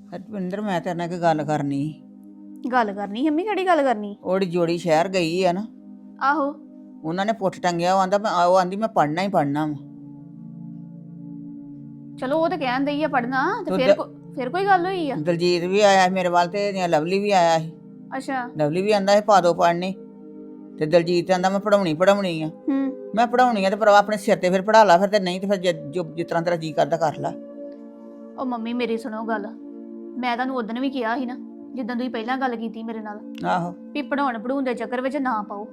ਹਰਪਿੰਦਰ ਮੈਂ ਤੇਰੇ ਨਾਲ ਇੱਕ ਗੱਲ ਕਰਨੀ ਸੀ। ਗੱਲ ਕਰਨੀ ਮੰਮੀ ਕਿਹੜੀ ਗੱਲ ਕਰਨੀ? ਉਹਦੀ ਜੋੜੀ ਸ਼ਹਿਰ ਗਈ ਆ ਨਾ, ਆਹੋ ਉਹਨਾਂ ਨੇ ਪੁੱਠ ਟੰਗਿਆ। ਉਹ ਆਂਦੀ ਮੈਂ ਪੜਨਾ ਹੀ ਪੜਨਾ ਵਾ। ਚਲੋ ਉਹ ਤਾਂ ਕਹਿਣ ਦਈ ਆ ਪੜਨਾ ਤੇ ਤੂੰ ਫਿਰ ਕੋਈ ਗੱਲ ਹੋਈ ਆ? ਦਲਜੀਤ ਵੀ ਆਇਆ ਸੀ ਮੇਰੇ ਵੱਲ ਤੇ ਲਵਲੀ ਵੀ ਆਇਆ ਸੀ। ਅੱਛਾ। ਲਵਲੀ ਵੀ ਆਂਦਾ ਸੀ ਪਾ ਦੋ ਪੜਨੀ, ਤੇ ਦਲਜੀਤ ਆਂਦਾ ਮੈਂ ਪੜਾਉਣੀ ਆ। ਮੈਂ ਪੜਾਉਣੀ ਆ ਤੇ ਭਰਾ ਆਪਣੇ ਸਿਰ ਤੇ ਫਿਰ ਪੜਾ ਲਾ, ਫਿਰ ਤੇ ਨਹੀਂ ਤੇ ਫਿਰ ਜਿਸ ਤਰ੍ਹਾਂ ਤੇਰਾ ਜੀ ਕਰਦਾ ਕਰ ਲਾ। ਉਹ ਮੰਮੀ ਮੇਰੀ ਸੁਣੋ ਗੱਲ, ਮੈਂ ਤੁਹਾਨੂੰ ਉਦੋਂ ਵੀ ਕਿਹਾ ਸੀ ਨਾ ਜਿੱਦਾਂ ਤੁਸੀਂ ਪਹਿਲਾਂ ਗੱਲ ਕੀਤੀ ਮੇਰੇ ਨਾਲ, ਆਹੋ ਵੀ ਪੜਾਉਣ ਦੇ ਚੱਕਰ ਵਿੱਚ ਨਾ ਪਾਓ।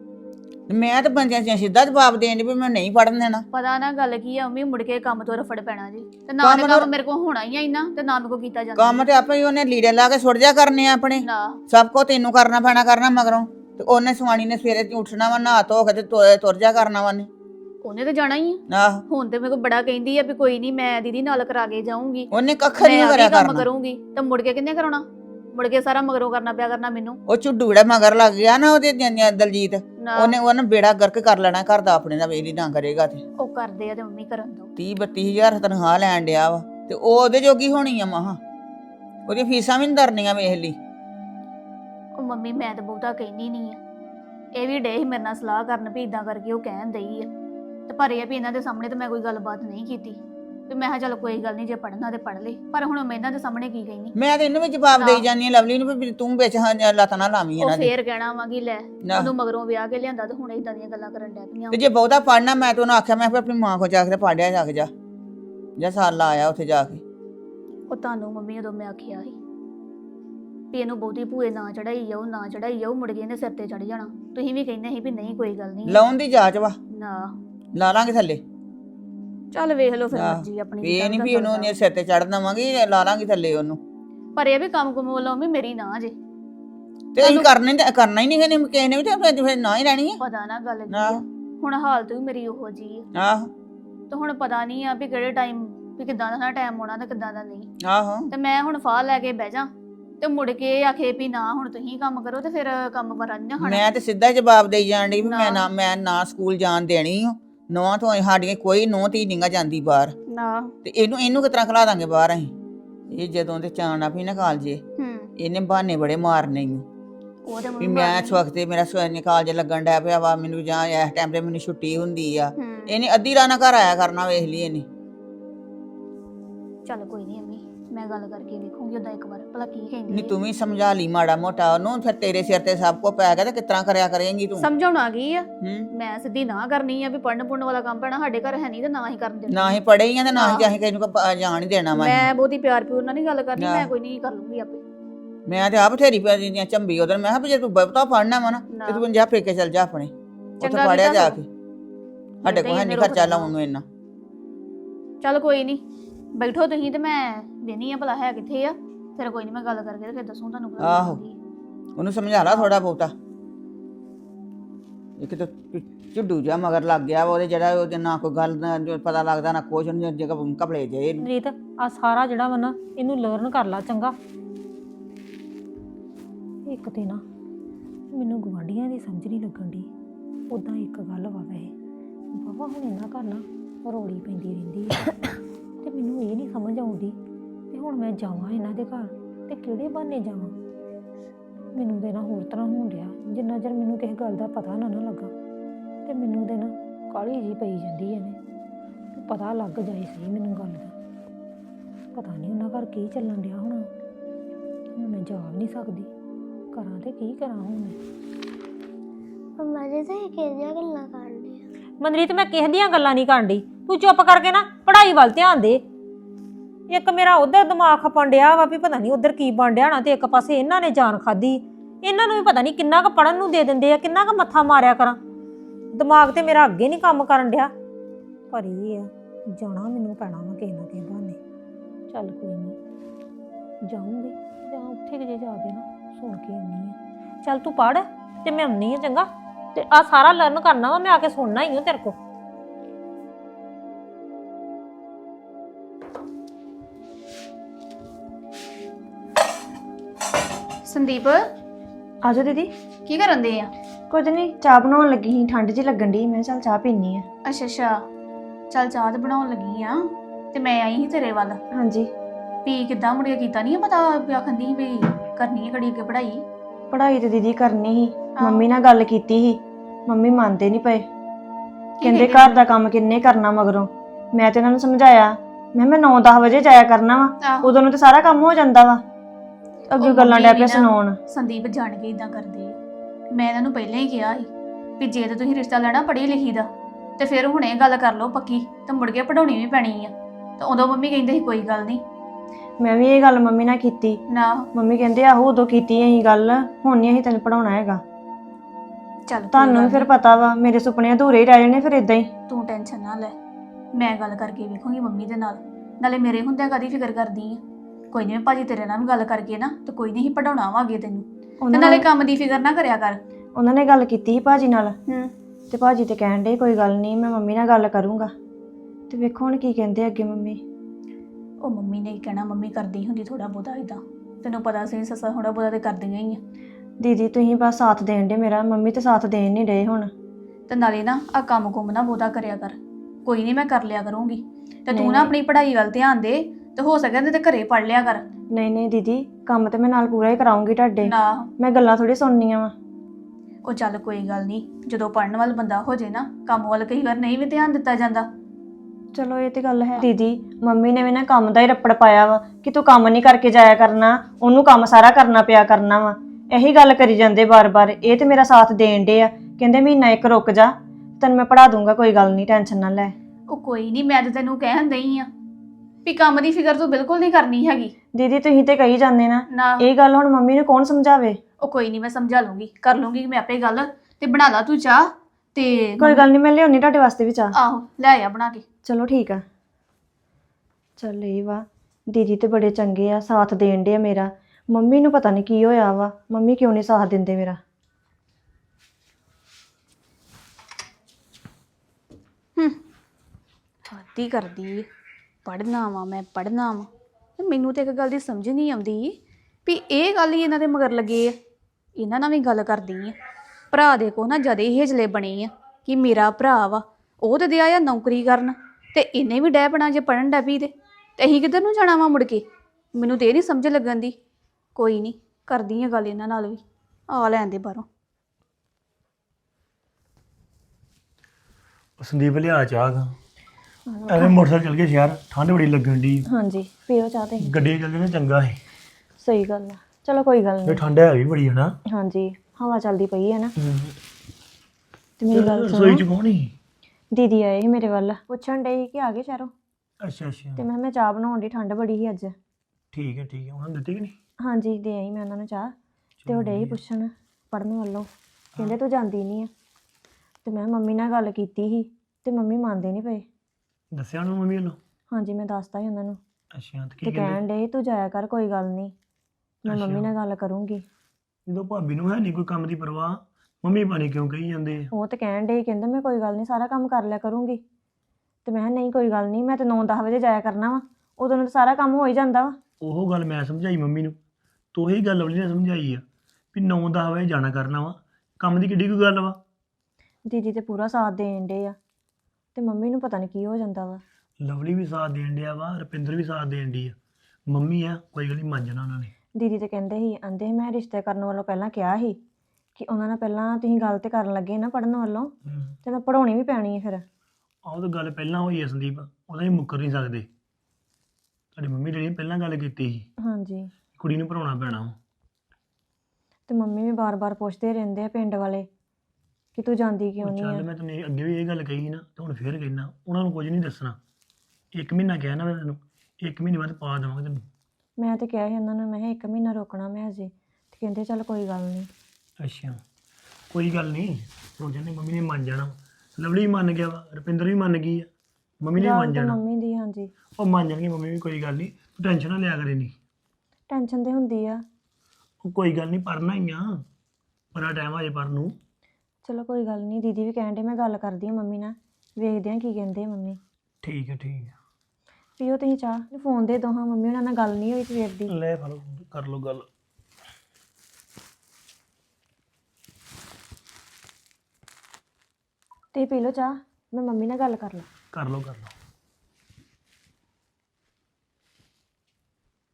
ਮੈਂ ਤਾਂ ਬੰਦਿਆਂ ਚ ਸਿੱਧਾ ਜਵਾਬ ਦੇਣ ਦੀ ਵੀ ਮੈਂ ਨਹੀਂ ਪੜਨ ਦੇਣਾ। ਪਤਾ ਨਾ ਗੱਲ ਕੀ ਆ ਮੰਮੀ, ਮੁੜ ਕੇ ਕੰਮ ਤੋਂ ਰਫੜ ਪੈਣਾ ਜੀ, ਤੇ ਨਾ ਕੰਮ ਮੇਰੇ ਕੋਲ ਹੋਣਾ ਹੀ ਆ ਇੰਨਾ, ਤੇ ਨਾ ਮੇਰੇ ਕੋਲ ਕੀਤਾ ਜਾਂਦਾ। ਕੰਮ ਤੇ ਆਪੇ ਹੀ ਉਹਨੇ ਲੀੜੇ ਲਾ ਕੇ ਸੁੱਟ ਜਾ ਕਰਨੇ ਆ ਆਪਣੇ, ਸਭ ਕੋ ਤੈਨੂੰ ਕਰਨਾ ਪੈਣਾ ਕਰਨਾ ਮਗਰੋਂ। ਤੇ ਉਹਨੇ ਸਵਾਣੀ ਨੇ ਸਵੇਰੇ ਉੱਠਣਾ ਵਾ, ਨਹਾ ਧੋ ਕੇ ਤੇ ਤੁਰ ਜਾ ਕਰਨਾ ਵਾ ਉਹਨੇ ਤੇ ਜਾਣਾ ਹੀ ਆ। ਆਹੋ ਹੁਣ ਤੇ ਮੇਰੇ ਕੋਲ ਬੜਾ ਕਹਿੰਦੀ ਆ ਵੀ ਕੋਈ ਨਹੀਂ ਮੈਂ ਦੀਦੀ ਨਾਲ ਕਰਾ ਕੇ ਜਾਊਂਗੀ, ਉਹਨੇ ਕੱਖ ਨਹੀਂ ਕਰਿਆ ਕੰਮ ਕਰਨਾ। ਕਰੂੰਗੀ ਤੇ ਮੁੜ ਕੇ ਕਿੰਨੇ ਕਰਾਉਣਾ? ਮੁੜ ਕੇ ਸਾਰਾ ਮਗਰੋਂ ਕਰਨਾ ਪਿਆ ਕਰਨਾ ਮੈਨੂੰ। ਉਹ ਝੁੱਡੂੜਾ ਮਗਰ ਲੱਗ ਗਿਆ ਨਾ ਉਹਦੇ ਦਲਜੀਤ, ਉਹਨੇ ਬੇੜਾ ਗਰਕ ਕਰ ਲੈਣਾ ਘਰ ਦਾ ਆਪਣੇ ਦਾ, ਵੇਲੀ ਨਾ ਕਰੇਗਾ ਤੇ ਉਹ ਕਰਦੇ ਆ ਤੇ ਮੰਮੀ ਕਰਨ ਦੋ। 30-32 ਹਜ਼ਾਰ ਤਨਖਾਹ ਲੈਣ ਡਿਆ ਵਾ, ਤੇ ਉਹ ਉਹਦੇ ਜੋਗੀ ਹੋਣੀ ਆ ਮਹਾ, ਉਹਦੀਆਂ ਫੀਸਾਂ ਵੀ ਨਹੀਂ ਦਰਨੀਆਂ ਵੇਖ ਲਈ। ਉਹ ਮੰਮੀ ਮੈਂ ਤਾਂ ਬਹੁਤਾ ਕਹਿੰਦੀ ਨਹੀਂ ਆ, ਇਹ ਵੀ ਡੇ ਸੀ ਮੇਰੇ ਨਾਲ ਸਲਾਹ ਕਰਨ ਵੀ ਇਦਾਂ ਕਰਕੇ ਉਹ ਕਹਿਣ ਦਈ ਆ, ਤੇ ਪਰ ਇਹ ਵੀ ਇਹਨਾਂ ਦੇ ਸਾਹਮਣੇ ਤਾਂ ਮੈਂ ਕੋਈ ਗੱਲਬਾਤ ਨਹੀਂ ਕੀਤੀ, ਤੇ ਮੈਂ ਕਿਹਾ ਚੱਲ ਕੋਈ ਗੱਲ ਨਹੀਂ ਜੇ ਪੜਨਾ ਤੇ ਪੜ ਲੈ, ਪਰ ਹੁਣ ਮੈਂ ਇਹਨਾਂ ਦੇ ਸਾਹਮਣੇ ਕੀ ਕਹਿੰਦੀ? ਮੈਂ ਤੇ ਇਹਨੂੰ ਵੀ ਜਵਾਬ ਦੇਈ ਜਾਂਦੀ ਆ ਲਵਲੀ ਨੂੰ ਵੀ ਤੂੰ ਵਿੱਚ ਲੱਤ ਨਾ ਲਾਵੀਂ ਇਹਨਾਂ ਦੀ। ਫੇਰ ਕਹਿਣਾ ਵਾਂਗੀ ਲੈ ਉਹਨੂੰ ਮਗਰੋਂ ਵਿਆਹ ਕੇ ਲਿਆਂਦਾ ਤੇ ਹੁਣ ਇਦਾਂ ਦੀਆਂ ਗੱਲਾਂ ਕਰਨ ਡੈ ਪਈਆਂ। ਤੇ ਜੇ ਬਹੁਤਾ ਪੜਨਾ, ਮੈਂ ਤਾਂ ਉਹਨੂੰ ਆਖਿਆ ਮੈਂ ਆਪਣੀ ਮਾਂ ਕੋਲ ਜਾ ਕੇ ਪੜਿਆ ਜਾ ਕੇ ਜਾ ਸਾਲ ਆਇਆ ਉੱਥੇ ਜਾ ਕੇ। ਉਹ ਤੁਹਾਨੂੰ ਮੰਮੀ ਉਦੋਂ ਮੈਂ ਆਖਿਆ ਸੀ ਵੀ ਇਹਨੂੰ ਬਹੁਤੀ ਭੂਏ ਨਾ ਚੜਾਈ ਜਾਓ, ਨਾ ਚੜਾਈ ਜਾਓ, ਮੁੜ ਕੇ ਇਹਨੇ ਸਿਰ ਤੇ ਚੜ ਜਾਣਾ। ਤੁਸੀਂ ਵੀ ਕਹਿੰਦੇ ਸੀ ਵੀ ਨਹੀਂ ਕੋਈ ਗੱਲ ਨਹੀਂ, ਲਾਉਣ ਦੀ ਜਾਚ ਵਾ ਨਾ ਲਾ ਲਾਂਗੇ ਥੱਲੇ। ਚੱਲ ਵੇਖ ਲਓ ਫਿਰ ਮਰਜ਼ੀ ਆਪਣੀ। ਇਹ ਨਹੀਂ ਵੀ ਉਹਨੂੰ ਸਿਰ ਤੇ ਚੜ ਦਵਾਂਗੀ, ਲਾ ਲਾਂਗੀ ਥੱਲੇ ਉਹਨੂੰ। ਪਰ ਇਹ ਵੀ ਕੰਮ ਕੁਮ ਵੱਲੋਂ ਵੀ ਮੇਰੀ ਨਾ ਜੇ, ਤੇ ਅਸੀਂ ਕਰਨਾ ਹੀ ਨਹੀਂ ਕਿਸੇ ਨੇ ਵੀ, ਤੇ ਫਿਰ ਨਾ ਹੀ ਰਹਿਣੀ ਹੈ। ਪਤਾ ਨਾ ਗੱਲ ਕੀ ਆ, ਹੁਣ ਹਾਲਤ ਵੀ ਮੇਰੀ ਉਹੋ ਜੀ ਆ। ਆਹੋ ਤੇ ਹੁਣ ਪਤਾ ਨਹੀਂ ਆ ਵੀ ਕਿਹੜੇ ਟਾਈਮ ਵੀ ਕਿੱਦਾਂ ਦਾ ਟਾਈਮ ਆਉਣਾ ਤੇ ਕਿੱਦਾਂ ਦਾ ਨਹੀਂ। ਆਹੋ ਤੇ ਮੈਂ ਹੁਣ ਫਾਹ ਲੈ ਕੇ ਬਹਿ ਜਾ ਤੇ ਮੁੜ ਕੇ ਆਖੇ ਵੀ ਨਾ ਹੁਣ ਤੁਸੀਂ ਕੰਮ ਕਰੋ, ਤੇ ਫਿਰ ਕੰਮ ਬਰਾਂ ਨਾ ਖਾਣਾ। ਮੈਂ ਤੇ ਸਿੱਧਾ ਜਵਾਬ ਦੇਈ ਜਾਣ ਡਈ ਵੀ ਮੈਂ ਨਾ ਸਕੂਲ ਜਾਣ ਦੇਣੀ ਓ। ਨੌਂ ਤੋਂ ਸਾਡੀਆਂ ਕੋਈ ਨੌਂ ਧੀ ਨੀਗਾ ਜਾਂਦੀ ਬਾਹਰ ਨਾ, ਤੇ ਇਹਨੂੰ ਕਿਸ ਤਰ੍ਹਾਂ ਖਿਲਾ ਦਾਂਗੇ ਬਾਹਰ ਅਸੀਂ? ਇਹ ਜਦੋਂ ਤੇ ਚਾਣ ਆ ਵੀ ਨਾ ਕਾਲਜੇ, ਇਹਨੇ ਬਹਾਨੇ ਬੜੇ ਮਾਰਨੇ ਈ ਵੀ ਮੈਂ ਇਸ ਵਕਤ ਮੇਰਾ ਕਾਲਜ ਲੱਗਣ ਡਿਆ ਪਿਆ ਵਾ, ਮੈਨੂੰ ਜਾਂ ਇਸ ਟਾਈਮ ਤੇ ਮੈਨੂੰ ਛੁੱਟੀ ਹੁੰਦੀ ਆ। ਇਹਨੇ ਅੱਧੀ ਰਾਤ ਨਾਲ ਘਰ ਆਇਆ ਕਰਨਾ, ਵੇਖ ਲਈ ਇਹਨੇ। ਚੱਲ ਕੋਈ ਨਹੀਂ ਅੰਮੀ, ਮੈਂ ਗੱਲ ਕਰਕੇ ਵੇਖੂੰਗੀ ਉਹਦਾ ਇੱਕ ਵਾਰ ਭਲਾ ਕੀ ਕਹਿੰਦੀ। ਨਹੀਂ ਤੂੰ ਵੀ ਸਮਝਾ ਲਈ ਮਾੜਾ ਮੋਟਾ ਉਹਨੂੰ, ਫਿਰ ਤੇਰੇ ਸਿਰ ਤੇ ਸਭ ਕੁਝ ਪੈ ਗਿਆ ਤੇ ਕਿਸ ਤਰ੍ਹਾਂ ਕਰਿਆ ਕਰੇਂਗੀ ਤੂੰ? ਸਮਝਾਉਣ ਆ ਗਈ ਆ, ਮੈਂ ਸਿੱਧੀ ਨਾ ਕਰਨੀ ਆ ਵੀ ਪੜਨ ਪੁੜਨ ਵਾਲਾ ਕੰਮ ਪੈਣਾ ਸਾਡੇ ਘਰ ਹੈ ਨਹੀਂ, ਤੇ ਨਾ ਹੀ ਕਰਨ ਦੇਣਾ। ਨਾ ਹੀ ਪੜੇ ਹੀ ਆ ਤੇ ਨਾ ਹੀ ਚਾਹੇ ਕਿਸੇ ਨੂੰ ਜਾਣ ਹੀ ਦੇਣਾ। ਮੈਂ ਬਹੁਤੀ ਪਿਆਰ ਪਿਓਰ ਨਾਲ ਨਹੀਂ ਗੱਲ ਕਰਨੀ, ਮੈਂ ਕੋਈ ਨਹੀਂ ਕਰ ਲੂੰਗੀ ਆਪੇ। ਮੈਂ ਤੇ ਆਪ ਬਥੇਰੀ ਪਿਆਰੀ ਦੀਆਂ ਝੰਬੀ ਉਧਰ, ਮੈਂ ਕਿਹਾ ਵੀ ਜੇ ਤੂੰ ਬਹੁਤਾ ਪੜਨਾ ਵਾ ਨਾ ਤੇ ਤੂੰ ਜਾ ਪੇਕੇ ਚੱਲ ਜਾ ਆਪਣੇ, ਉੱਥੇ ਪੜਿਆ ਜਾ ਕੇ, ਸਾਡੇ ਕੋਲ ਹੈ ਨਹੀਂ ਖਰਚਾ ਲਾਉਣ ਨੂੰ ਇੰਨਾ। ਚੱਲ ਕੋਈ ਨਹੀਂ, ਬੈਠੋ ਤੁਸੀਂ ਤੇ ਮੈਂ ਦੇਣੀ ਆ ਭਲਾ ਹੈ ਕਿੱਥੇ ਆ, ਫਿਰ ਕੋਈ ਨਹੀਂ ਮੈਂ ਗੱਲ ਕਰਕੇ ਤੇ ਫਿਰ ਦੱਸੂ ਤੁਹਾਨੂੰ। ਆਹੋ ਉਹਨੂੰ ਸਮਝਾ ਲਾ ਥੋੜਾ ਬਹੁਤਾ। ਇੱਕ ਤਾਂ ਝੁੱਡੂ ਜਿਹਾ ਮਗਰ ਲੱਗ ਗਿਆ ਉਹਦੇ, ਜਿਹੜਾ ਉਹਦੇ ਨਾ ਕੋਈ ਗੱਲ ਪਤਾ ਲੱਗਦਾ ਨਾ ਕੁਛ, ਜਗ੍ਹਾ ਕਪੜੇ ਜੇ। ਰੀਤ ਆ ਸਾਰਾ ਜਿਹੜਾ ਵਾ ਨਾ ਇਹਨੂੰ ਲਰਨ ਕਰ ਲਾ ਚੰਗਾ। ਇੱਕ ਤੇ ਨਾ ਮੈਨੂੰ ਗਵਾਂਢੀਆਂ ਦੀ ਸਮਝ ਨਹੀਂ ਲੱਗਣ ਦੀ, ਉਦਾਂ ਇੱਕ ਗੱਲ ਵਾ ਵੈਸੇ ਬਾਬਾ ਹੁਣ ਇਹਨਾਂ ਘਰ ਨਾ ਰੋੜੀ ਪੈਂਦੀ ਰਹਿੰਦੀ ਹੈ, ਤੇ ਮੈਨੂੰ ਇਹ ਨਹੀਂ ਸਮਝ ਆਉਂਦੀ ਤੇ ਹੁਣ ਮੈਂ ਜਾਵਾਂ ਇਹਨਾਂ ਦੇ ਘਰ ਤੇ ਕਿਹੜੇ ਬਹਾਨੇ ਜਾਵਾਂ। ਮੈਨੂੰ ਤੇ ਨਾ ਹੋਰ ਤਰ੍ਹਾਂ ਹੋਣ ਡਿਆ, ਜਿੰਨਾ ਚਿਰ ਮੈਨੂੰ ਕਿਸੇ ਗੱਲ ਦਾ ਪਤਾ ਨਾ ਲੱਗਾ ਤੇ ਮੈਨੂੰ ਤੇ ਨਾ ਕਾਹਲੀ ਜਿਹੀ ਪਈ ਜਾਂਦੀ ਹੈ ਨੇ, ਪਤਾ ਲੱਗ ਜਾਏ ਸਹੀ ਮੈਨੂੰ ਗੱਲ ਦਾ। ਪਤਾ ਨਹੀਂ ਉਹਨਾਂ ਘਰ ਕੀ ਚੱਲਣ ਡਿਆ ਹੁਣ ਮੈਂ ਜਾ ਵੀ ਨਹੀਂ ਸਕਦੀ, ਕਰਾਂ ਤੇ ਕੀ ਕਰਾਂ ਹੁਣ ਮੈਂ। ਮੰਮਾ ਜੀ ਤੁਸੀਂ ਕਿਹੜੀਆਂ ਗੱਲਾਂ ਕਰਦੇ ਆ? ਮਨਰੀਤ ਮੈਂ ਕਿਸੇ ਦੀਆਂ ਗੱਲਾਂ ਨਹੀਂ ਕਰਨ ਡਈ, ਤੂੰ ਚੁੱਪ ਕਰਕੇ ਨਾ ਪੜ੍ਹਾਈ ਵੱਲ ਧਿਆਨ ਦੇ। ਇੱਕ ਮੇਰਾ ਉਧਰ ਦਿਮਾਗ ਖਪਣ ਡਿਆ ਵਾ ਵੀ ਪਤਾ ਨਹੀਂ ਉਧਰ ਕੀ ਬਣ ਡਿਆ ਨਾ, ਤੇ ਇੱਕ ਪਾਸੇ ਇਹਨਾਂ ਨੇ ਜਾਨ ਖਾਦੀ। ਇਹਨਾਂ ਨੂੰ ਵੀ ਪਤਾ ਨਹੀਂ ਕਿੰਨਾ ਕੁ ਪੜਨ ਨੂੰ ਦੇ ਦਿੰਦੇ ਆ, ਕਿੰਨਾ ਕੁ ਮੱਥਾ ਮਾਰਿਆ ਕਰਾਂ। ਦਿਮਾਗ ਤੇ ਮੇਰਾ ਅੱਗੇ ਨਹੀਂ ਕੰਮ ਕਰਨ ਡਿਆ, ਪਰ ਇਹ ਆ ਜਾਣਾ ਮੈਨੂੰ ਪੈਣਾ ਵਾ ਕਿਸੇ ਨਾ ਕਿਸੇ ਬਹਾਨੇ। ਚੱਲ ਕੋਈ ਨਹੀਂ ਜਾਊਂਗੀ, ਜਾਂ ਉੱਥੇ ਕਿਤੇ ਜਾ ਕੇ ਨਾ ਸੁਣ ਕੇ ਆਉਣੀ ਆ। ਚੱਲ ਤੂੰ ਪੜ੍ਹ ਤੇ ਮੈਂ ਆਉਣੀ ਆ ਚੰਗਾ, ਤੇ ਆ ਸਾਰਾ ਲਰਨ ਕਰਨਾ ਵਾ, ਮੈਂ ਆ ਕੇ ਸੁਣਨਾ ਹੀ ਹਾਂ ਤੇਰੇ ਕੋਲ। ਸੰਦੀਪ ਆਜੋ ਦੀਦੀ। ਕੀ ਕਰਨ ਦੇ ਆ? ਕੁਝ ਨਹੀਂ, ਚਾਹ ਬਣਾਉਣ ਲੱਗੀ ਸੀ, ਠੰਡ ਜੀ ਲੱਗਣ ਦੀ, ਮੈਂ ਚੱਲ ਚਾਹ ਪੀਣੀ ਆ। ਅੱਛਾ ਚੱਲ ਚਾਹ ਤੇ ਬਣਾਉਣ ਲੱਗੀ ਆ, ਤੇ ਮੈਂ ਆਈ ਸੀ ਤੇਰੇ ਵੱਲ। ਹਾਂਜੀ ਵੀ ਕਿੱਦਾਂ ਮੁੜ ਕੇ ਕੀਤਾ ਨਹੀਂ ਪਤਾ ਵੀ ਆਖੰਦੀ ਵੀ ਕਰਨੀ ਹੈ ਘੜੀ ਅੱਗੇ ਪੜ੍ਹਾਈ। ਪੜ੍ਹਾਈ ਤੇ ਦੀਦੀ ਕਰਨੀ ਸੀ, ਮੰਮੀ ਨਾਲ ਗੱਲ ਕੀਤੀ ਸੀ, ਮੰਮੀ ਮੰਨਦੇ ਨਹੀਂ ਪਏ। ਕਹਿੰਦੇ ਘਰ ਦਾ ਕੰਮ ਕਿੰਨੇ ਕਰਨਾ ਮਗਰੋਂ। ਮੈਂ ਤੇ ਉਹਨਾਂ ਨੂੰ ਸਮਝਾਇਆ, ਮੈਂ 9-10 ਵਜੇ ਜਾਇਆ ਕਰਨਾ ਵਾ, ਆਹੋ। ਉਦੋਂ ਨੂੰ ਤੇ ਸਾਰਾ ਕੰਮ ਹੋ ਜਾਂਦਾ ਵਾ। ਅੱਗੇ ਗੱਲਾਂ ਡੈ ਪਿਆ ਸੁਣਾਉਣ। ਸੰਦੀਪ ਜਾਣ ਕੇ ਇਦਾਂ ਕਰਦੇ ਆ। ਮੈਂ ਇਹਨਾਂ ਨੂੰ ਪਹਿਲਾਂ ਹੀ ਕਿਹਾ ਸੀ ਵੀ ਜੇ ਤੇ ਤੁਸੀਂ ਰਿਸ਼ਤਾ ਲੈਣਾ ਪੜ੍ਹੀ ਲਿਖੀ ਦਾ ਤੇ ਫਿਰ ਹੁਣੇ ਗੱਲ ਕਰ ਲਓ ਪੱਕੀ, ਤੇ ਮੁੜ ਕੇ ਪੜਾਉਣੀ ਵੀ ਪੈਣੀ ਆ। ਤੇ ਉਦੋਂ ਮੰਮੀ ਕਹਿੰਦੇ ਸੀ ਕੋਈ ਗੱਲ ਨਹੀਂ। ਮੈਂ ਵੀ ਇਹ ਗੱਲ ਮੰਮੀ ਨਾਲ ਕੀਤੀ, ਨਾ ਮੰਮੀ ਕਹਿੰਦੇ ਆਹੋ ਉਦੋਂ ਕੀਤੀ ਅਸੀਂ ਗੱਲ, ਹੁਣ ਨਹੀਂ ਅਸੀਂ ਤੈਨੂੰ ਪੜਾਉਣਾ ਹੈਗਾ। ਚੱਲ ਤੁਹਾਨੂੰ ਵੀ ਫਿਰ ਪਤਾ ਵਾ ਮੇਰੇ ਸੁਪਨੇ ਅਧੂਰੇ ਹੀ ਰਹਿ ਜਾਣੇ ਫਿਰ ਇਦਾਂ ਹੀ। ਤੂੰ ਟੈਨਸ਼ਨ ਨਾ ਲੈ, ਮੈਂ ਗੱਲ ਕਰਕੇ ਵੇਖੂੰਗੀ ਮੰਮੀ ਦੇ ਨਾਲ। ਨਾਲੇ ਮੇਰੇ ਹੁੰਦਿਆਂ ਕਦੀ ਫਿਕਰ ਕਰਦੀ ਆ। ਕੋਈ ਨਹੀਂ, ਭਾਜੀ ਤੇਰੇ ਨਾਲ ਵੀ ਗੱਲ ਕਰਕੇ ਨਾ ਤੇ ਕੋਈ ਨਹੀਂ ਪੜਾਉਣਾ ਵਾ ਅੱਗੇ ਤੈਨੂੰ। ਤੇ ਨਾਲੇ ਕੰਮ ਦੀ ਫਿਕਰ ਨਾ ਕਰਿਆ ਕਰ। ਉਹਨਾਂ ਨੇ ਗੱਲ ਕੀਤੀ ਸੀ ਭਾਜੀ ਨਾਲ, ਹੂੰ ਤੇ ਭਾਜੀ ਤੇ ਕਹਿਣ ਡੇ ਕੋਈ ਗੱਲ ਨਹੀਂ, ਮੈਂ ਮੰਮੀ ਨਾਲ ਗੱਲ ਕਰੂੰਗਾ। ਤੇ ਵੇਖੋ ਹੁਣ ਕੀ ਕਹਿੰਦੇ ਅੱਗੇ ਮੰਮੀ। ਉਹ ਮੰਮੀ ਨੇ ਕੀ ਕਹਿਣਾ, ਮੰਮੀ ਕਰਦੀ ਹੁੰਦੀ ਥੋੜਾ ਬਹੁਤਾ ਇਦਾਂ। ਤੈਨੂੰ ਪਤਾ ਸੀ ਸੱਸਾਂ ਥੋੜਾ ਬਹੁਤਾ ਤੇ ਕਰਦੀਆਂ ਹੀ ਆ। ਦੀਦੀ ਤੁਸੀਂ ਬਸ ਸਾਥ ਦੇਣ ਡੇ ਮੇਰਾ, ਮੰਮੀ ਤੇ ਸਾਥ ਦੇਣ ਨਹੀਂ ਡੇ ਹੁਣ। ਤੇ ਨਾਲੇ ਨਾ ਆ ਕੰਮ ਕੁੰਮ ਨਾ ਬਹੁਤਾ ਕਰਿਆ ਕਰ। ਕੋਈ ਨਹੀਂ, ਮੈਂ ਕਰ ਲਿਆ ਕਰੂੰਗੀ। ਤੇ ਤੂੰ ਨਾ ਆਪਣੀ ਪੜ੍ਹਾਈ ਵੱਲ ਧਿਆਨ ਦੇ, ਤੇ ਹੋ ਸਕੇ ਤੇ ਘਰੇ ਪੜ੍ਹ ਲਿਆ ਕਰ। ਨਹੀਂ ਦੀਦੀ, ਕੰਮ ਤੇ ਮੈਂ ਨਾਲ ਪੂਰਾ ਹੀ ਕਰਾਉਂਗੀ ਤੁਹਾਡੇ। ਨਾ ਮੈਂ ਗੱਲਾਂ ਥੋੜੀ ਸੁਣਨੀਆਂ ਵਾ। ਉਹ ਚੱਲ ਕੋਈ ਗੱਲ ਨਹੀਂ, ਜਦੋਂ ਪੜਨ ਵਾਲਾ ਬੰਦਾ ਹੋ ਜੇ ਨਾ, ਕੰਮ ਵੱਲ ਕਈ ਵਾਰ ਨਹੀਂ ਵੀ ਧਿਆਨ ਦਿੱਤਾ ਜਾਂਦਾ। ਚਲੋ ਇਹ ਤੇ ਗੱਲ ਹੈ ਦੀਦੀ, ਮੰਮੀ ਨੇ ਵੀ ਨਾ ਕੰਮ ਦਾ ਹੀ ਰੱਪੜ ਪਾਇਆ ਵਾ ਕਿ ਤੂੰ ਕੰਮ ਨਹੀਂ ਕਰਕੇ ਜਾਇਆ ਕਰਨਾ, ਉਹਨੂੰ ਕੰਮ ਸਾਰਾ ਕਰਨਾ ਪਿਆ ਕਰਨਾ ਵਾ। ਇਹੀ ਗੱਲ ਕਰੀ ਜਾਂਦੇ ਬਾਰ-ਬਾਰ। ਇਹ ਤੇ ਮੇਰਾ ਸਾਥ ਦੇਣ ਡੇ ਆ, ਕਹਿੰਦੇ ਮਹੀਨਾ ਇੱਕ ਰੁਕ ਜਾ, ਤੈਨੂੰ ਮੈਂ ਪੜਾ ਦੂੰਗਾ, ਕੋਈ ਗੱਲ ਨਹੀਂ, ਟੈਨਸ਼ਨ ਨਾ ਲੈ। ਉਹ ਕੋਈ ਨਹੀਂ, ਮੈਂ ਤਾਂ ਤੈਨੂੰ ਕਹਿਣ ਦਈ ਆ ਵੀ ਕੰਮ ਦੀ ਫਿਕਰ ਤੂੰ ਬਿਲਕੁਲ ਨਹੀਂ ਕਰਨੀ ਹੈਗੀ। ਦੀਦੀ ਤੁਸੀਂ ਤੇ ਕਹੀ ਜਾਂਦੇ ਨਾ, ਇਹ ਗੱਲ ਹੁਣ ਮੰਮੀ ਨੂੰ ਕੌਣ ਸਮਝਾਵੇ। ਉਹ ਕੋਈ ਨਹੀਂ, ਮੈਂ ਸਮਝਾ ਲੂੰਗੀ, ਕਰ ਲੂੰਗੀ ਮੈਂ ਆਪੇ ਗੱਲ। ਤੇ ਬਣਾ ਲਾ ਤੂੰ ਚਾਹ। ਤੇ ਕੋਈ ਗੱਲ ਨਹੀਂ, ਮੈਂ ਲਿਆਉਣੀ ਤੁਹਾਡੇ ਵਾਸਤੇ ਵੀ ਚਾਹ। ਆਹੋ ਲੈ ਆ ਬਣਾ ਕੇ। ਚਲੋ ਠੀਕ ਆ। ਚੱਲ ਇਹ ਵਾ, ਦੀਦੀ ਤੇ ਬੜੇ ਚੰਗੇ ਆ, ਸਾਥ ਦੇਣ ਡੇ ਆ ਮੇਰਾ। ਮੰਮੀ ਨੂੰ ਪਤਾ ਨਹੀਂ ਕੀ ਹੋਇਆ ਵਾ, ਮੰਮੀ ਕਿਉਂ ਨਹੀਂ ਸਾਥ ਦਿੰਦੇ ਮੇਰਾ। ਹੱਦੀ ਕਰਦੀ, ਪੜ੍ਹਨਾ ਵਾ ਮੈਂ, ਪੜ੍ਹਨਾ ਵਾ। ਤੇ ਮੈਨੂੰ ਤੇ ਇੱਕ ਗੱਲ ਦੀ ਸਮਝ ਨਹੀਂ ਆਉਂਦੀ ਵੀ ਇਹ ਗੱਲ ਹੀ ਇਹਨਾਂ ਦੇ ਮਗਰ ਲੱਗੇ ਆ। ਇਹਨਾਂ ਨਾਲ ਵੀ ਗੱਲ ਕਰਦੀ ਆ। ਭਰਾ ਦੇ ਕੋ ਨਾ ਜਦੇ ਹੇਜਲੇ ਬਣੇ ਆ ਕਿ ਮੇਰਾ ਭਰਾ ਵਾ, ਉਹ ਤੇ ਦਿਆ ਆ ਨੌਕਰੀ ਕਰਨ, ਤੇ ਇਹਨੇ ਵੀ ਡੈ ਪਣਾ ਜੇ ਪੜਨ ਡੈ ਪਈ ਤੇ ਅਸੀਂ ਕਿੱਧਰ ਨੂੰ ਜਾਣਾ ਵਾ ਮੁੜ ਕੇ। ਮੈਨੂੰ ਤੇ ਇਹ ਨਹੀਂ ਸਮਝ ਲੱਗਣ ਦੀ। ਕੋਈ ਨਹੀਂ, ਕਰਦੀ ਆ ਗੱਲ ਇਹਨਾਂ ਨਾਲ ਵੀ, ਆ ਲੈਣ ਦੇ ਬਾਹਰੋਂ। ਸੰਦੀਪ ਲਿਆ ਚਾਹ ਗਾ। ਐਵੇਂ ਮੋਟਰਸਾਈਕਲ ਚੱਲ ਗਏ ਸ਼ਹਿਰ, ਠੰਡ ਬੜੀ ਲੱਗਣ ਦੀ। ਹਾਂਜੀ ਪੀਓ ਚਾਹ ਤੇ। ਗੱਡੀ ਚੱਲ ਜਾਣਾ ਚੰਗਾ ਹੈ। ਸਹੀ ਗੱਲ ਆ, ਚਲੋ ਕੋਈ ਗੱਲ ਇਹ ਨਹੀਂ। ਠੰਡ ਹੈ ਵੀ ਬੜੀ ਹੈ ਨਾ। ਹਾਂਜੀ ਹਵਾ ਚੱਲਦੀ ਪਈ ਹੈ ਨਾ। ਤੇ ਮੇਰੀ ਗੱਲ ਰਸੋਈ ਚ ਸੁਣੋ, ਕੌਣ ਸੀ? ਦੀਦੀ ਆਏ ਸੀ ਮੇਰੇ ਵੱਲ, ਪੁੱਛਣ ਡੇ ਸੀ ਕਿ ਆ ਗਏ ਸ਼ਹਿਰੋਂ। ਅੱਛਾ ਅੱਛਾ, ਤੇ ਮੈਂ ਚਾਹ ਬਣਾਉਣ ਦੀ, ਠੰਡ ਬੜੀ ਸੀ ਅੱਜ। ਠੀਕ ਹੈ ਉਹਨਾਂ ਨੇ ਦਿੱਤੀ ਕਿ ਨਹੀਂ? ਹਾਂਜੀ ਦੇ ਆਈ ਮੈਂ ਉਹਨਾਂ ਨੂੰ ਚਾਹ। ਤੇ ਉਹ ਡੇ ਹੀ ਪੁੱਛਣ ਪੜਨ ਵੱਲੋਂ, ਕਹਿੰਦੇ ਤੂੰ ਜਾਂਦੀ ਨਹੀਂ ਆ। ਤੇ ਮੈਂ ਮੰਮੀ ਨਾਲ ਗੱਲ ਕੀਤੀ ਸੀ, ਤੇ ਮੰਮੀ ਮੰਨਦੇ ਨਹੀਂ ਪਏ। ਦੱਸਿਆ ਉਹਨੂੰ ਮੰਮੀ ਵੱਲੋਂ? ਹਾਂਜੀ ਮੈਂ ਦੱਸਤਾ ਸੀ ਉਹਨਾਂ ਨੂੰ। ਅੱਛਾ, ਤੇ ਤੇ ਕੀ ਕਹਿੰਦੇ? ਕਹਿਣ ਡੇ ਤੂੰ ਜਾਇਆ ਕਰ, ਕੋਈ ਗੱਲ ਨਹੀਂ, ਮੈਂ ਮੰਮੀ ਨਾਲ ਗੱਲ ਕਰੂੰਗੀ। ਜਦੋਂ ਭਾਬੀ ਨੂੰ ਹੈ ਨਹੀਂ ਕੋਈ ਕੰਮ ਦੀ ਪਰਵਾਹ, ਮੰਮੀ ਪਾਣੀ ਕਿਉਂ ਕਹੀ ਜਾਂਦੇ ਆ? ਉਹ ਤੇ ਕਹਿਣ ਡੇ ਕਹਿੰਦਾ ਮੈਂ ਕੋਈ ਗੱਲ ਨਹੀਂ, ਸਾਰਾ ਕੰਮ ਕਰ ਲਿਆ ਕਰੂੰਗੀ। ਤੇ ਮੈਂ ਕਿਹਾ ਨਹੀਂ ਕੋਈ ਗੱਲ ਨਹੀਂ, ਮੈਂ ਤੇ 9-10 ਵਜੇ ਜਾਇਆ ਕਰਨਾ ਵਾ, ਉਦੋਂ ਨੂੰ ਤਾਂ ਸਾਰਾ ਕੰਮ ਹੋ ਹੀ ਜਾਂਦਾ ਵਾ। ਉਹ ਗੱਲ ਮੈਂ ਸਮਝਾਈ ਮੰਮੀ ਨੂੰ, ਤੂੰ ਉਹੀ ਗੱਲ ਲਵਲੀ ਨੇ ਸਮਝਾਈ ਆ ਵੀ 9-10 ਵਜੇ ਜਾਣਾ ਕਰਨਾ ਵਾ, ਕੰਮ ਦੀ ਕਿੱਡੀ ਕੋਈ ਗੱਲ ਵਾ। ਦੀਦੀ ਤੇ ਪੂਰਾ ਸਾਥ ਦੇਣ ਡੇ ਆ, ਤੇ ਮੰਮੀ ਨੂੰ ਪਤਾ ਨਹੀਂ ਕੀ ਹੋ ਜਾਂਦਾ ਵਾ। ਲਵਲੀ ਵੀ ਸਾਥ ਦੇਣ ਡਿਆ ਵਾ, ਰੁਪਿੰਦਰ ਵੀ ਸਾਥ ਦੇਣ ਡਈ ਆ। ਮੰਮੀ ਆ, ਕੋਈ ਗੱਲ ਨਹੀਂ, ਮੰਨ ਜਾਣਾ ਉਹਨਾਂ ਨੇ। ਦੀਦੀ ਤੇ ਕਹਿੰਦੇ ਸੀ, ਆਂਦੇ ਸੀ ਮੈਂ ਰਿਸ਼ਤੇ ਕਰਨ ਵੱਲੋਂ ਪਹਿਲਾਂ ਕਿਹਾ ਸੀ ਕਿ ਉਹਨਾਂ ਨਾਲ ਪਹਿਲਾਂ ਤੁਸੀਂ ਗੱਲ ਤੇ ਕਰਨ ਲੱਗੇ ਨਾ ਪੜਨ ਵੱਲੋਂ, ਤੇ ਤਾਂ ਪੜਾਉਣੀ ਵੀ ਪੈਣੀ ਹੈ ਫਿਰ। ਆਹ ਤਾਂ ਗੱਲ ਪਹਿਲਾਂ ਹੋਈ ਹੈ ਸੰਦੀਪ, ਉਹਦਾ ਹੀ ਮੁੱਕਰ ਨਹੀਂ ਸਕਦੇ। ਤੁਹਾਡੀ ਮੰਮੀ ਡੈਡੀ ਨੇ ਪਹਿਲਾਂ ਗੱਲ ਕੀਤੀ ਸੀ, ਹਾਂਜੀ ਕੁੜੀ ਨੂੰ ਪੜਾਉਣਾ ਪੈਣਾ ਵਾ। ਤੇ ਮੰਮੀ ਵੀ ਬਾਰ-ਬਾਰ ਪੁੱਛਦੇ ਰਹਿੰਦੇ ਆ ਪਿੰਡ ਵਾਲੇ ਕਿ ਤੂੰ ਜਾਂਦੀ ਕਿਉਂ ਨਹੀਂ ਚੱਲ ਆ। ਮੈਂ ਤੈਨੂੰ ਅੱਗੇ ਵੀ ਇਹ ਗੱਲ ਕਹੀ ਸੀ ਨਾ, ਤੇ ਹੁਣ ਫੇਰ ਕਹਿਣਾ, ਉਹਨਾਂ ਨੂੰ ਕੁਝ ਨਹੀਂ ਦੱਸਣਾ। 1 ਮਹੀਨਾ ਕਹਿਣਾ ਮੈਂ ਤੈਨੂੰ, 1 ਮਹੀਨੇ ਬਾਅਦ ਪਾ ਦੇਵਾਂਗਾ ਤੈਨੂੰ। ਮੈਂ ਤੇ ਕਿਹਾ ਸੀ ਉਹਨਾਂ ਨੂੰ, ਮੈਂ ਕਿਹਾ 1 ਮਹੀਨਾ ਰੋਕਣਾ ਮੈਂ ਹਜੇ। ਤੇ ਕਹਿੰਦੇ ਚੱਲ ਕੋਈ ਗੱਲ ਨਹੀਂ। ਅੱਛਾ, ਕੋਈ ਗੱਲ ਨਹੀਂ, ਹੋ ਜਾਂਦੇ, ਮੰਮੀ ਨੇ ਮੰਨ ਜਾਣਾ। ਲਵਲੀ ਵੀ ਮੰਨ ਗਿਆ ਵਾ, ਰੁਪਿੰਦਰ ਵੀ ਮੰਨ ਗਈ ਆ, ਮੰਮੀ ਨੇ ਵੀ ਮੰਨ ਜਾਣਾ। ਮੰਮੀ ਦੀ ਹਾਂਜੀ, ਉਹ ਮੰਨ ਜਾਣਗੇ ਮੰਮੀ ਵੀ, ਕੋਈ ਗੱਲ ਨਹੀਂ, ਤੂੰ ਟੈਨਸ਼ਨ ਨਾ ਲਿਆ ਕਰੇ ਨਹੀਂ। ਟੈਨਸ਼ਨ ਤੇ ਹੁੰਦੀ ਆ। ਉਹ ਕੋਈ ਗੱਲ ਨਹੀਂ, ਪੜ੍ਹਨਾ ਹੀ ਆ, ਬੜਾ ਟਾਈਮ ਹਜੇ ਪੜ੍ਹਨ ਨੂੰ। ਚਲੋ ਕੋਈ ਗੱਲ ਨਹੀਂ, ਦੀਦੀ ਵੀ ਕਹਿਣ ਡੇ, ਮੈਂ ਗੱਲ ਕਰਦੀ ਹਾਂ ਮੰਮੀ ਨਾਲ, ਵੇਖਦੇ ਹਾਂ ਕੀ ਕਹਿੰਦੇ ਆ ਮੰਮੀ। ਠੀਕ ਹੈ ਠੀਕ ਹੈ, ਪੀਓ ਤੁਸੀਂ ਚਾਹ, ਫੋਨ ਦੇ ਦੋ ਹਾਂ, ਮੰਮੀ ਉਹਨਾਂ ਨਾਲ ਗੱਲ ਨਹੀਂ ਹੋਈ ਸਵੇਰ ਦੀ। ਲੈ ਫੜੋ, ਕਰ ਲਓ ਗੱਲ। ਤੇ ਪੀ ਲਓ ਚਾਹ, ਮੈਂ ਮੰਮੀ ਨਾਲ ਗੱਲ ਕਰ ਲਾਂ। ਕਰ ਲਓ ਕਰ ਲਓ।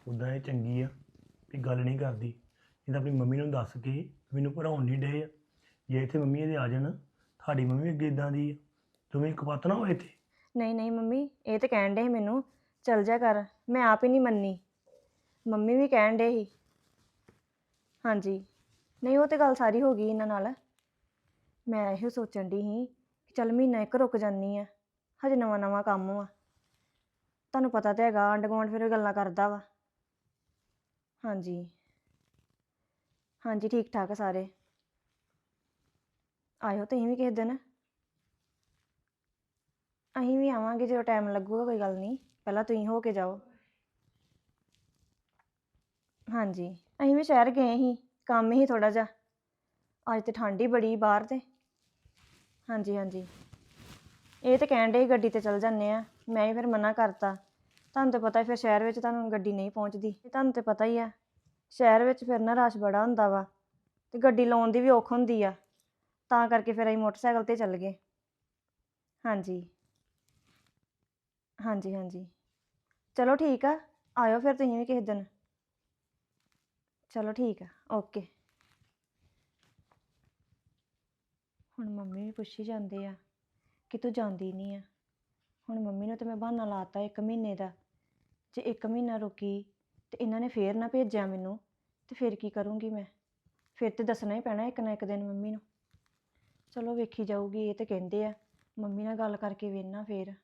ਉਦਾਂ ਇਹ ਚੰਗੀ ਆ ਵੀ ਗੱਲ ਨਹੀਂ ਕਰਦੀ, ਇਹ ਤਾਂ ਆਪਣੀ ਮੰਮੀ ਨੂੰ ਦੱਸ ਕੇ ਮੈਨੂੰ ਪੜਾਉਣ ਨਹੀਂ ਡੇ ਆ। ਜੇ ਇੱਥੇ ਮੰਮੀ ਇਹਦੇ ਆ ਜਾਣ, ਤੁਹਾਡੀ ਮੰਮੀ ਵੀ ਅੱਗੇ ਇਦਾਂ ਦੀ ਆ, ਤੁਸੀਂ ਕਪੱਤ ਨਾ ਹੋਏ ਇੱਥੇ। ਨਹੀਂ ਨਹੀਂ ਮੰਮੀ, ਇਹ ਤੇ ਕਹਿਣ ਡੇ ਸੀ ਮੈਨੂੰ ਚੱਲ ਜਾ ਕਰ, ਮੈਂ ਆਪ ਹੀ ਨਹੀਂ ਮੰਨੀ। ਮੰਮੀ ਵੀ ਕਹਿਣ ਡੇ ਸੀ। ਹਾਂਜੀ, ਨਹੀਂ ਉਹ ਤੇ ਗੱਲ ਸਾਰੀ ਹੋ ਗਈ ਇਹਨਾਂ ਨਾਲ। ਮੈਂ ਇਹੋ ਸੋਚਣ ਦੀ ਸੀ ਕਿ ਚੱਲ ਮਹੀਨਾ ਇੱਕ ਰੁਕ ਜਾਂਦੀ ਆ, ਹਜੇ ਨਵਾਂ ਨਵਾਂ ਕੰਮ ਵਾ। ਤੁਹਾਨੂੰ ਪਤਾ ਤਾਂ ਹੈਗਾ ਆਂਢ ਗੁਆਂਢ ਫਿਰ ਗੱਲਾਂ ਕਰਦਾ ਵਾ। ਹਾਂਜੀ ਹਾਂਜੀ, ਠੀਕ ਠਾਕ ਆ ਸਾਰੇ। ਆਇਓ ਤੁਸੀਂ ਵੀ ਕਿਸੇ ਦਿਨ। ਅਸੀਂ ਵੀ ਆਵਾਂਗੇ ਜਦੋਂ ਟਾਈਮ ਲੱਗੂਗਾ, ਕੋਈ ਗੱਲ ਨਹੀਂ, ਪਹਿਲਾਂ ਤੁਸੀਂ ਹੋ ਕੇ ਜਾਓ। ਹਾਂਜੀ, ਅਸੀਂ ਵੀ ਸ਼ਹਿਰ ਗਏ ਸੀ, ਕੰਮ ਹੀ ਥੋੜਾ ਜਿਹਾ। ਅੱਜ ਤੇ ਠੰਡ ਹੀ ਬੜੀ ਬਾਹਰ ਤੇ। ਹਾਂਜੀ ਹਾਂਜੀ, ਇਹ ਤੇ ਕਹਿਣ ਡੇ ਗੱਡੀ ਤੇ ਚਲ ਜਾਂਦੇ ਆ, ਮੈਂ ਹੀ ਫਿਰ ਮਨਾ ਕਰਤਾ। ਤੁਹਾਨੂੰ ਤਾਂ ਪਤਾ ਫਿਰ ਸ਼ਹਿਰ ਵਿੱਚ ਤੁਹਾਨੂੰ ਗੱਡੀ ਨਹੀਂ ਪਹੁੰਚਦੀ, ਤੁਹਾਨੂੰ ਤਾਂ ਪਤਾ ਹੀ ਆ ਸ਼ਹਿਰ ਵਿੱਚ ਫਿਰ ਨਾ ਰਸ਼ ਬੜਾ ਹੁੰਦਾ ਵਾ, ਤੇ ਗੱਡੀ ਲਾਉਣ ਦੀ ਵੀ ਔਖ ਹੁੰਦੀ ਆ, ਤਾਂ ਕਰਕੇ ਫਿਰ ਅਸੀਂ ਮੋਟਰਸਾਈਕਲ ਤੇ ਚੱਲ ਗਏ। ਹਾਂਜੀ ਹਾਂਜੀ ਹਾਂਜੀ, ਚਲੋ ਠੀਕ ਆ, ਆਇਓ ਫਿਰ ਤੁਸੀਂ ਵੀ ਕਿਸੇ ਦਿਨ। ਚਲੋ ਠੀਕ ਆ, ਓਕੇ। ਹੁਣ ਮੰਮੀ ਵੀ ਪੁੱਛੀ ਜਾਂਦੇ ਆ ਕਿ ਤੂੰ ਜਾਂਦੀ ਨਹੀਂ ਆ। ਹੁਣ ਮੰਮੀ ਨੂੰ ਤਾਂ ਮੈਂ ਬਹਾਨਾ ਲਾਤਾ 1 ਮਹੀਨੇ ਦਾ, ਜੇ 1 ਮਹੀਨਾ ਰੁਕੀ ਤੇ ਇਹਨਾਂ ਨੇ ਫੇਰ ਨਾ ਭੇਜਿਆ ਮੈਨੂੰ, ਤੇ ਫਿਰ ਕੀ ਕਰੂੰਗੀ ਮੈਂ? ਫਿਰ ਤੇ ਦੱਸਣਾ ਹੀ ਪੈਣਾ ਇੱਕ ਨਾ ਇੱਕ ਦਿਨ ਮੰਮੀ ਨੂੰ। ਚਲੋ ਵੇਖੀ ਜਾਊਗੀ, ਇਹ ਤੇ ਕਹਿੰਦੇ ਆ। ਮੰਮੀ ਨਾਲ ਗੱਲ ਕਰਕੇ ਵੇਖਣਾ ਫੇਰ।